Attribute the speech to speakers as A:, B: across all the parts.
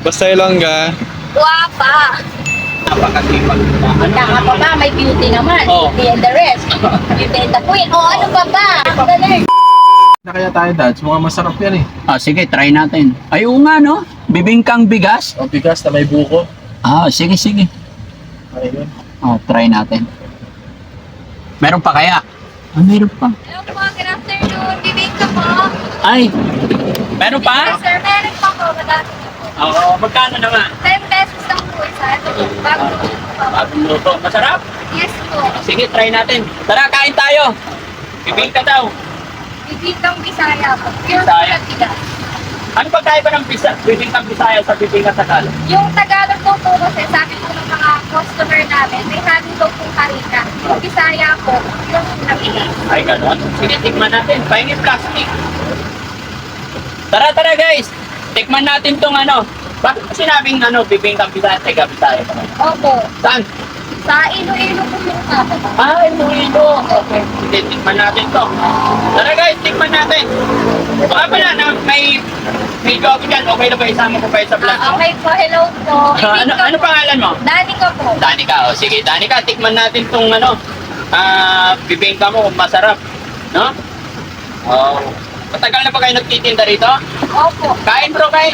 A: Basta Ilongga.
B: Guwapa.
C: Napakasipag.
B: Tama pa ba? May beauty naman.
C: Oo.
B: Beauty and the rest. Beauty and the queen. O ano pa ba? Galing.
A: Na kaya tayo, Dads. Mukhang masarap yan eh.
C: Sige, try natin. Ay, oo nga, no? Bibingkang bigas.
A: O bigas na may buko.
C: Sige, sige.
A: Ayun.
C: Try natin. Meron pa kaya? Meron pa.
B: Hello po. Good afternoon. Bibingka po.
C: Ay, meron pa?
B: Yes, sir. Meron pa po. Madami na po.
C: Oo, magkano naman?
B: 10 pesos lang po isa. Ito po. Bagong luto po.
C: Bagong luto. Masarap?
B: Yes po.
C: Sige, try natin. Tara, kain tayo. Bibingka daw.
B: Bibingkang Bisaya po. Pure
C: Bisaya.
B: Bisaya. Bigas.
C: Ano ba tayo ba ng bibingkang Bisaya sa bibingka Tagalog?
B: Yung Tagalog po po kasi sabi po ng mga customer namin, may halo daw pong harina. Yung Bisaya po, yung nabigas.
C: Ay, gano'n? Sige, tikman natin. Pahingin plastic. Tara, tara guys. Tikman natin tong ano. Bakit mo sinabing bibingkang Bisaya, taga Bisaya pa?
B: Opo.
C: Saan?
B: Sa Iloilo po yung kapo.
C: Ay, Muilo. Okay. Sige, tikman natin to. Tara guys, tikman natin. Baka pala na may joke dyan. Okay na ba isama ko pa sa vlog?
B: Okay po, hello po.
C: Ano pangalan mo?
B: Danica po.
C: Danica. Sige, Danica, tikman natin tong bibingka mo kung masarap. No? Matagal na ba kayo nagtitinda rito?
B: Opo.
C: Kain bro, kain.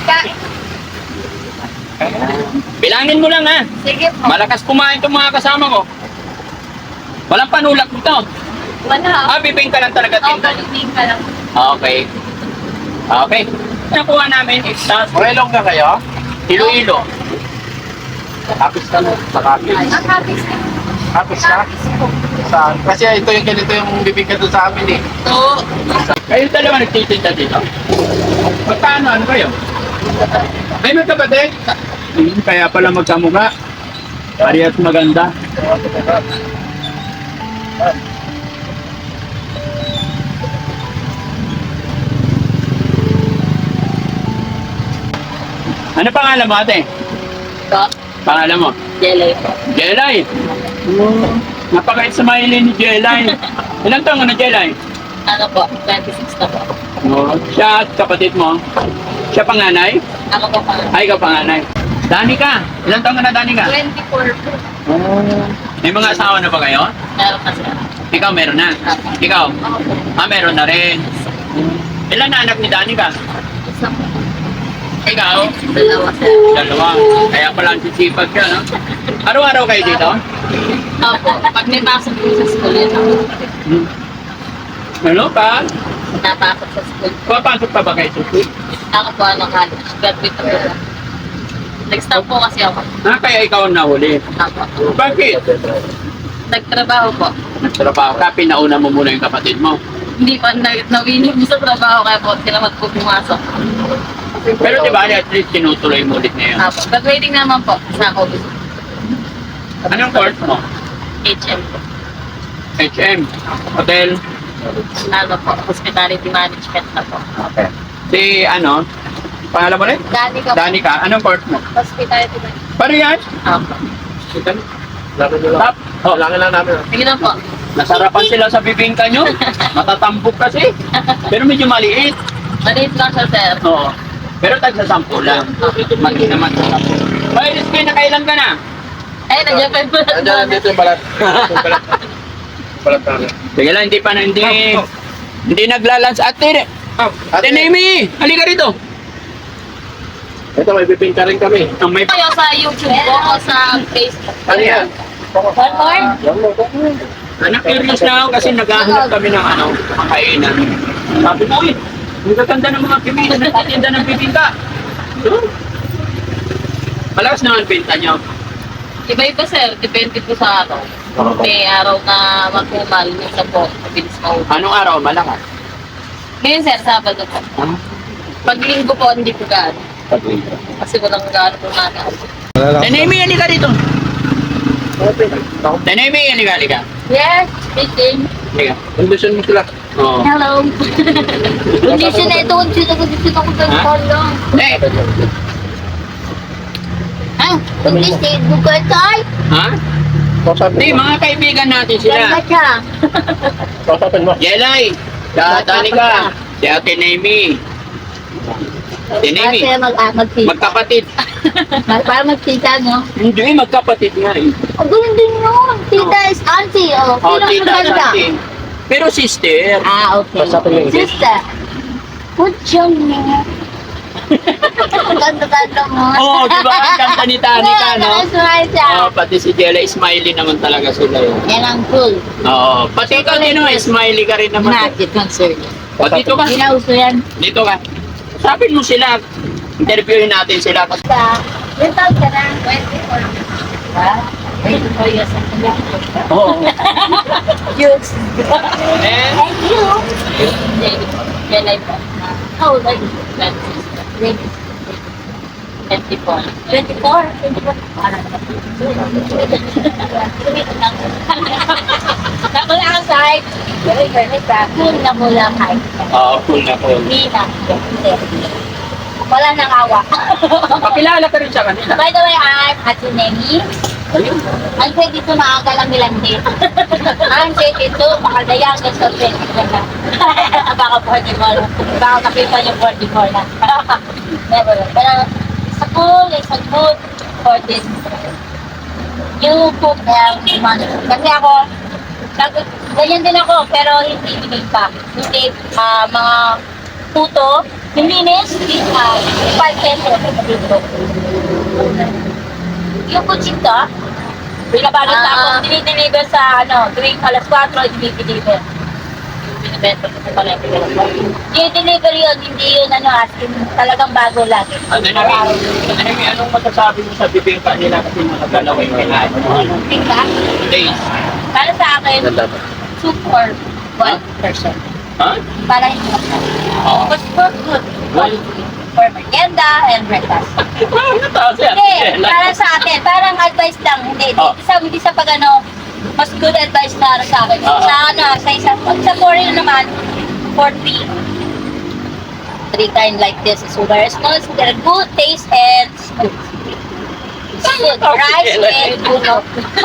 C: Bilangin mo lang ha.
B: Sige po.
C: Malakas kumain itong mga kasama ko. Walang panulak nito.
B: Wala.
C: Bibingka lang talaga
B: Opo,
C: tinda.
B: bibingka lang.
C: Okay. Okay. Nakuha namin sa
A: Ilongga kayo?
C: Iloilo.
A: Kapis ka no? Sa kapis.
B: Ang habis ko.
A: Kapis ka?
B: Habis po.
A: Saan? Kasi ito yung ganito yung bibingka doon sa amin eh.
C: Oo. Kayo dalawa nagtitinda dito? Magkano? Ano kayo? Ay, magkapatid? Kaya pala magkamukha. Parehas maganda. Ano pangalan mo ate?
B: Ko.
C: Pangalan mo?
B: Jelly po.
C: Jelay. Napakait sa mahilig ni Jelay. Ilang taon ka na Jelay?
B: Ano po? 26 na po.
C: Siya at kapatid mo? Siya panganay?
B: Ako po pa.
C: Ay, ikaw panganay. Danica. Ilang taon ka na Danica?
B: 24 po.
C: May mga asawa na ba kayo?
B: Meron na siya.
C: Ikaw meron na. Ikaw?
B: Ako po.
C: Meron na rin. Ilan na anak ni Danica?
B: Isa po.
C: Ikaw?
B: Dalawa siya.
C: Dalawa. Kaya pala ang sisipag ka, no? Araw-araw kayo dito?
B: Opo. Pag may pasok po sa school, yun ako.
C: Ano pa?
B: Napasok sa school.
C: Papasok pa ba kayo sa school?
B: Ako po, college. Graduate na po. Nag-stop po kasi ako.
C: Kaya ikaw ang nahuli.
B: Ako.
C: Bakit?
B: Nagtrabaho po.
C: Nagtrabaho ka, pinauna mo muna yung kapatid mo.
B: Hindi pa nawinip sa trabaho kaya po sila po pumasok.
C: Pero di ba, at least tinutuloy mo ulit ngayon.
B: Apo. Graduating naman po sa COVID.
C: Anong course mo?
B: HM po.
C: HM. Hotel.
B: Ano po, hospitality management na po.
C: Okay. Si pangalan mo rin?
B: Danica po.
C: Danica. Anong course mo?
B: Hospitality management.
C: Parehas.
B: Apo.
C: Tap.
A: Kailangan lang namin.
B: Sige na po.
C: Nasarapan sila sa bibingka nyo. Matatambok kasi. Pero medyo maliit.
B: Maliit lang siya, sir.
C: Oo. Pero tagsa-sampu lang. Maliit naman sa sampu. Ay, Rizky, nakailan ka na?
B: Ay, nandiyan pa yung bulat
A: Nandiyan,
B: doon.
A: nandito yung balat. Yung balat. Balat namin.
C: Sige lang, hindi naglalans. Ate, Ate Nemi, halika rito.
A: Ito, may bibingka rin kami.
C: Ang may
B: Kayo sa YouTube po o sa Facebook?
A: Ano yan?
B: One more?
C: curious na ako kasi naghahanap kami ng kainan. Sabi ko, ang gaganda ng mga pimina na tatinda ng bibingka. Malakas naman pinta nyo.
B: Iba-iba, sir. Depende po sa araw. May araw na magkumal. Minsan po, mabilis mauwi.
C: Anong araw? Malakas.
B: Ngayon, sir, Sabado po. Pag linggo po, hindi po gaano. Kasi walang gaano po namin.
C: Tenemi, halika rito. Tenemi, halika.
B: Yes, speaking.
C: Halika.
A: Kondisyon mo sila.
C: Oo.
B: Hello. Kondisyon na ito. Kondisyon ako sa
C: Ha?
B: polo.
C: Eh,
B: Ha? Kondisyon mo ka tayo?
C: ha? Hindi, mga kaibigan natin sila.
B: Ganda siya.
A: Kausapin mo.
C: Jelay, Danica, si Ate Nemi. Tinemi.
D: Para magtita.
C: Magkapatid.
D: Para magtita, no?
C: Hindi, magkapatid nga eh.
D: Ang galing din yun. Tita is auntie. Oh,
C: Oh,
D: sino
C: tita
D: maganda?
C: natin. Pero sister.
D: Ah, okay.
A: Basta ko yung
D: Sister. Good job, niya. Ganda-ganda mo.
C: Oo, di ba? Ang ganda ni Tanika, no?
D: Nakasmile siya.
C: Oo, pati si Jella, smiley naman talaga sila yun.
D: Yan ang cool.
C: Oo, pati ikaw din naman, smiley ka rin naman.
D: Not concerned.
C: O, dito ka.
D: Hindi na uso yan.
C: Dito ka. Sabi mo sila, interviewin natin sila.
D: Sa, yung taon ka na, 24. Ha? 24 years old ka na.
C: Oo.
D: Yes.
C: Eh,
D: Thank you. Yan ay po. How old are you? 24. 24? 24? Nakula ka side. Very good. Cool na mula kahit.
C: oo, cool na cool.
D: Hindi na. Wala nang awa.
C: Pakilala ka rin sa kanila.
D: By the way, I'm Hatsunemi. Ang 22 maaga lang nilang din. Ang 22, baka dayangan sa 22 na. Baka 44. Baka nakita niyo 44 na. Never. Pero sa pool, it's a good for this. You cook money. Kasi ako, ganyan din ako, pero hindi bigay pa. Hindi mga puto, yung linis, 5 pesos. Yung kutsita, binabalot na ako, dinideliver sa tuwing alas 4, dinideliver. Binibenta ko sa palengke. Dinideliver yun, hindi yun as in, talagang bago lagi.
C: Ano namin, anong masasabi mo sa bibingka nila kasi nakagalaw yung kinain mo?
D: Tingka,
C: Days.
D: para sa akin,
A: Ganda ba?
D: 2 for 1 person.
C: Ha?
D: Para hindi masarap.
C: Oo.
D: But for good quality, for merienda and breakfast.
C: Ano taas yan?
D: Hindi, para sa akin, parang advice lang. Hindi,
C: Oh.
D: hindi sa pag mas good advice na sa akin.
C: Oo.
D: Sa isang, sa foreign naman, for 3. 3 kind like this is very small, so they're good taste and smooth. Good. Rice with puno.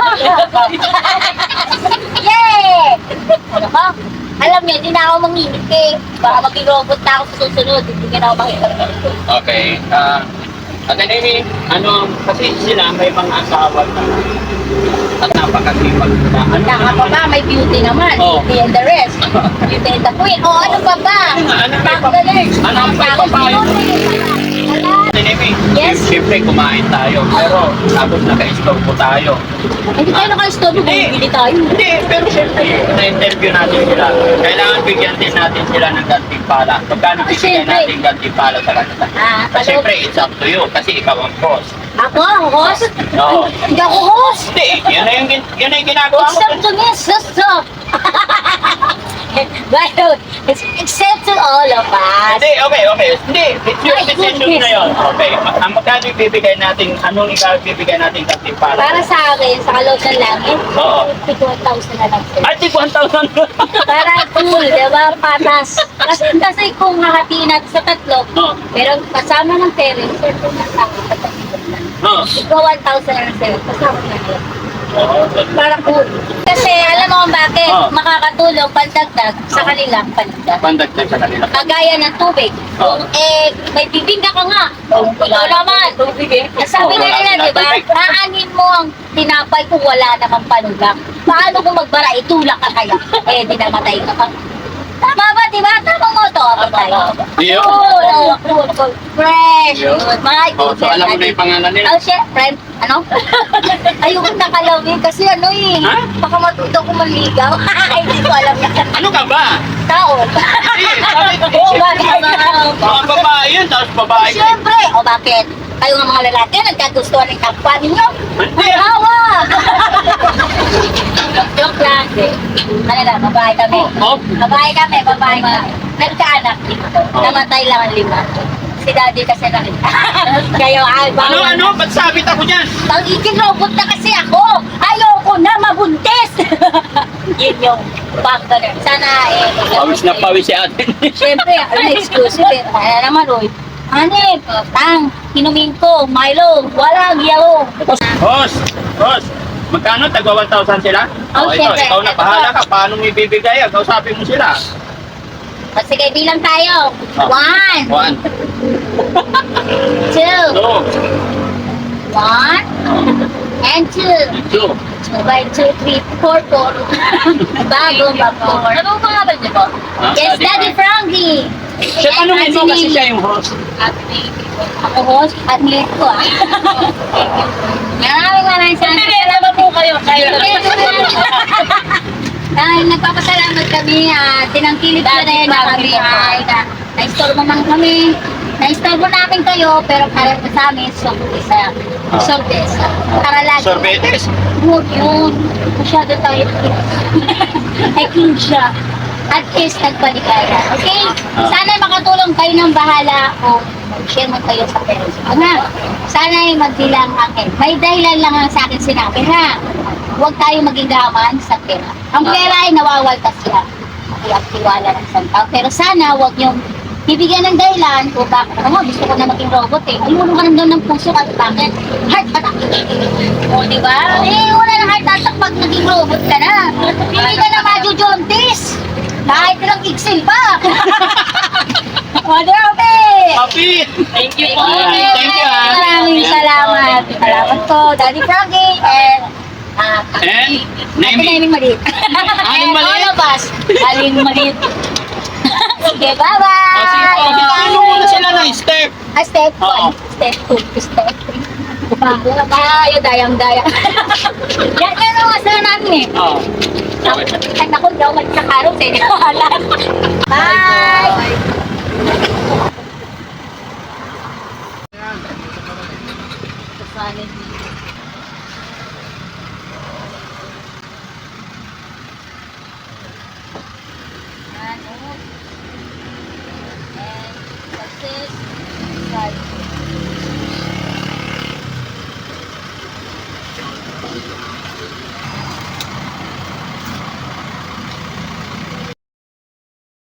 D: Yay! Ano ka? Alam niyo, hindi na ako manginit eh. Baka maging robot na ako sa susunod. Hindi na ako makita.
C: Okay. Academy, kasi sila may mga asawa na at napakasipag nila.
D: Saka pa ba, may beauty naman.
C: Oh.
D: Beauty and the rest. Beauty and the queen. O ano pa ba?
C: Ano pa ba?
D: Magaling.
C: Ano pa ba pa? Academy,
D: Yes.
C: siyempre kumain tayo. Pero tapos naka-istorbo tayo.
D: Hindi tayo naka-stop.
C: Hindi.
D: Bumibili tayo.
C: Hindi, pero siyempre, na-interview natin sila. Kailangan bigyan din natin sila ng gantimpala. Magkano bibigyan
D: Siyempre.
C: natin gantimpala sa kanila?
D: Hello.
C: Siyempre, it's up to you kasi ikaw ang boss.
D: Ako, ang host?
C: Oo.
D: Hindi ako host.
C: Hindi, yun na yung ginagawa mo.
D: Except to me, sister. But except to all of us.
C: Hindi, okay. Hindi, it's your
D: Ay,
C: decision
D: goodness.
C: na yun. Okay, ang magkano ibibigay natin, anong ibibigay natin gantimpala?
D: Para sa akin, sa kaloob ng langit,
C: Oo.
D: 51,000 na lang sila.
C: Ay, 1,000.
D: Para cool, di ba? Patas. Kasi kung hahatiin natin sa tatlo,
C: Oo.
D: pero kasama ng parents, siyempre na sa akin,
C: Oo.
D: ikaw 1,000 na lang sa'yo, kasama na yun.
C: Oo.
D: Para cool. Kasi alam mo kung bakit,
C: Oo.
D: makakatulong pandagdag sa kanilang pandagdag.
C: Pandagdag sa kanila.
D: Kagaya ng tubig.
C: Oo.
D: May bibingka ka nga. Ikaw naman. Sabi
C: Oo,
D: nga
C: wala
D: nila,
C: silang
D: di ba?
C: tubig.
D: Aanin mo ang tinapay kung wala namang panugang. Paano kung magbara, itulak ka kaya? Eh, di namatay ka pa. Tama ba, di ba? Tama mo to. Patay.
C: Yun.
D: Cool. Fresh.
C: Yun.
D: Good. My
C: Oh, so alam mo na yung pangalan nila?
D: Oh, syempre. Ano? Ayoko nakalawin kasi
C: Ha?
D: baka matuto ko maligaw. Hindi ko alam yan.
C: Ano ka ba?
D: Tao.
C: Hindi, sabi ko,
D: Oo, bakit?
C: mga babae yun, tapos babae.
D: Siyempre! O bakit? Kayo nga mga lalaki, nagkagustuhan ng kapwa ninyo.
C: Hindi.
D: Hawa! Joke lang. Ano lang, babae kami.
C: Oh,
D: Babae kami. Nagkaanak dito. Namatay lang ang 5. Si daddy kasi nakita. Kayo ay
C: ano? Ba't sabit ako dyan?
D: Pag-iking robot na kasi ako. Ayoko na mabuntis. Yun yung factor. Sana
C: Pawis na pawis si atin.
D: Siyempre, exclusive eh. Kaya naman, Roy. Hanip, inumin ko, Milo, walang yaw.
C: Boss, magkano? Tagwa 1,000 sila?
D: Oh,
C: Ito,
D: syempre.
C: ikaw na bahala ka. Paano mo ibibigay? Kausapin mo sila.
D: Sige, bilang tayo.
C: Oh.
D: 1,
C: 1,
D: Two.
C: Two.
D: One. And two.
C: Two.
D: 2 by 2, 3, 4, 4. Bago, bago. Ano ang pangalan niyo po?
C: Ah,
D: Yes, Daddy Frankie.
C: Siya tanongin mo kasi siya yung host.
D: Ako host at late ko ah. Maraming salamat po kayo. Dahil nagpapasalamat kami, tinangkilik na rin na kami ay na-store mo man kami. Na-store mo namin kayo, pero para sa amin, sorpresa. Sorpresa. Para lagi.
C: Sorbetes.
D: Huwag yun. Masyado tayo. Ay, king siya. At least nagpaligaya. Okay? Sana makatulong kayo ng bahala o mag-share mo kayo sa parents mo. Ha? Sana ay magbilang akin. May dahilan lang ang sa akin sinabi, ha? Huwag tayo maging gaman sa pera. Ang pera ay nawawaltas lang. Iaktiwala ng isang tao. Pero sana huwag yung bibigyan ng dahilan o bakit ako gusto ko na maging robot eh. Ayun ka naman ng puso at bakit? Heart attack. O diba? Eh wala na heart attack pag naging robot ka na. Hindi ka na majujontis. Kahit ilang Excel pa. O grabe.
C: Happy!
D: Thank you
C: po. Thank you, ah.
D: Maraming salamat. Salamat po, Daddy Frankie and
C: And?
D: Ate
C: Name
D: Aling Maliit.
C: Aling Maliit?
D: All of us. Aling Maliit. Sige,
C: O, sige po.
D: bye-bye.
C: Paano muna sila ng step?
D: Step
C: Oo.
D: 1, step 2, step 3. Tayo, dayang-daya. Yan ang masaya namin eh.
C: Oo. Okay.
D: Ay, naku, daw magkakarong sa inyo. Bye! Right.